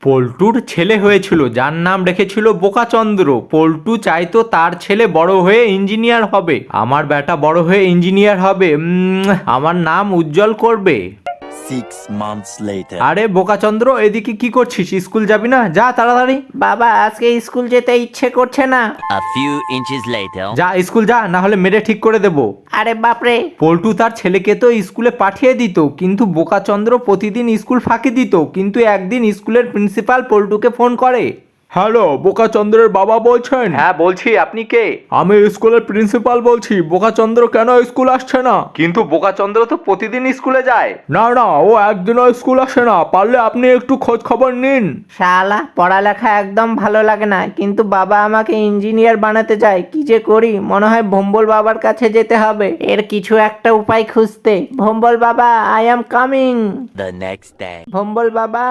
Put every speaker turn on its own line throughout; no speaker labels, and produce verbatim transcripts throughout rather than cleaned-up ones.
পল্টুর ছেলে হয়েছিল যার নাম রেখেছিল বোকাচন্দ্র। পল্টু চাইতো তার ছেলে বড় হয়ে ইঞ্জিনিয়ার হবে। আমার বেটা বড় হয়ে ইঞ্জিনিয়ার হবে, উম, আমার নাম উজ্জ্বল করবে।
Six months later.
আরে বোকাচন্দ্র, এদিকে কি করছিস? স্কুল যাবি না? যা তাড়াতাড়ি।
বাবা আজকে স্কুল যেতে ইচ্ছে করছে না।
A few inches later.
যা স্কুল যা, না হলে মেরে ঠিক করে দেবো।
আরে বাপরে,
পল্টু তার ছেলেকে তো স্কুলে পাঠিয়ে দিত, কিন্তু বোকাচন্দ্র প্রতিদিন স্কুল ফাঁকি দিত। কিন্তু একদিন স্কুলের প্রিন্সিপাল পল্টুকে ফোন করে। হ্যালো, বোকাচন্দ্রের বাবা বলছেন? হ্যাঁ বলছি, আপনি কে? আমি স্কুলের প্রিন্সিপাল বলছি। বোকাচন্দ্র কেন স্কুল আসছে না? কিন্তু বোকাচন্দ্র তো প্রতিদিন স্কুলে যায়। না না, ও একদিনও স্কুল আসে না। পারলে আপনি একটু খোঁজ খবর নিন।
শালা পড়ালেখা একদম ভালো লাগে না, কিন্তু বাবা আমাকে ইঞ্জিনিয়ার বানাতে চায়। কি যে করি, মনে হয় ভম্বল বাবার কাছে যেতে হবে। এর কিছু একটা উপায় খুঁজতে। ভম্বল বাবা, I am coming.
The next day.
Bhombol বাবা,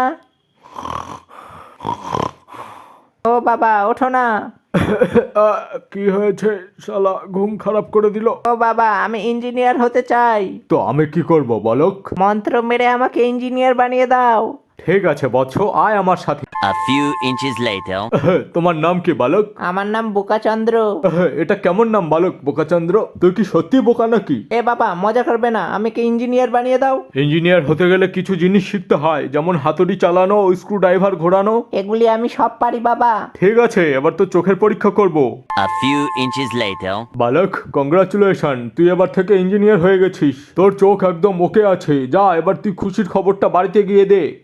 ও বাবা ওঠো না।
কি হয়েছে? শালা ঘুম খারাপ করে দিল।
ও বাবা, আমি ইঞ্জিনিয়ার হতে চাই।
তো আমি কি করব বলক?
মন্ত্র মেরে আমাকে ইঞ্জিনিয়ার বানিয়ে দাও।
ঠিক আছে বৎস, আয় আমার সাথে।
A few inches later.
তোমার নাম কি বালক?
আমার নাম বোকাচন্দ্র।
এটা কেমন নাম বালক, বোকাচন্দ্র? তুই কি সত্যি বোকা নাকি?
এ বাবা মজা করবে না, আমাকে ইঞ্জিনিয়ার বানিয়ে দাও।
ইঞ্জিনিয়ার হতে গেলে কিছু জিনিস শিখতে হয়, যেমন হাতুড়ি চালানো, স্ক্রু ড্রাইভার ঘোরানো।
এগুলি আমি সব পারি বাবা।
ঠিক আছে, এবার তো চোখের পরীক্ষা করব।
A few inches later.
বালক, কংগ্রাচুলেশন, তুই এবার থেকে ইঞ্জিনিয়ার হয়ে গেছিস। তোর চোখ একদম ওকে আছে। যা, এবার তুই খুশির খবরটা বাড়িতে গিয়ে দে।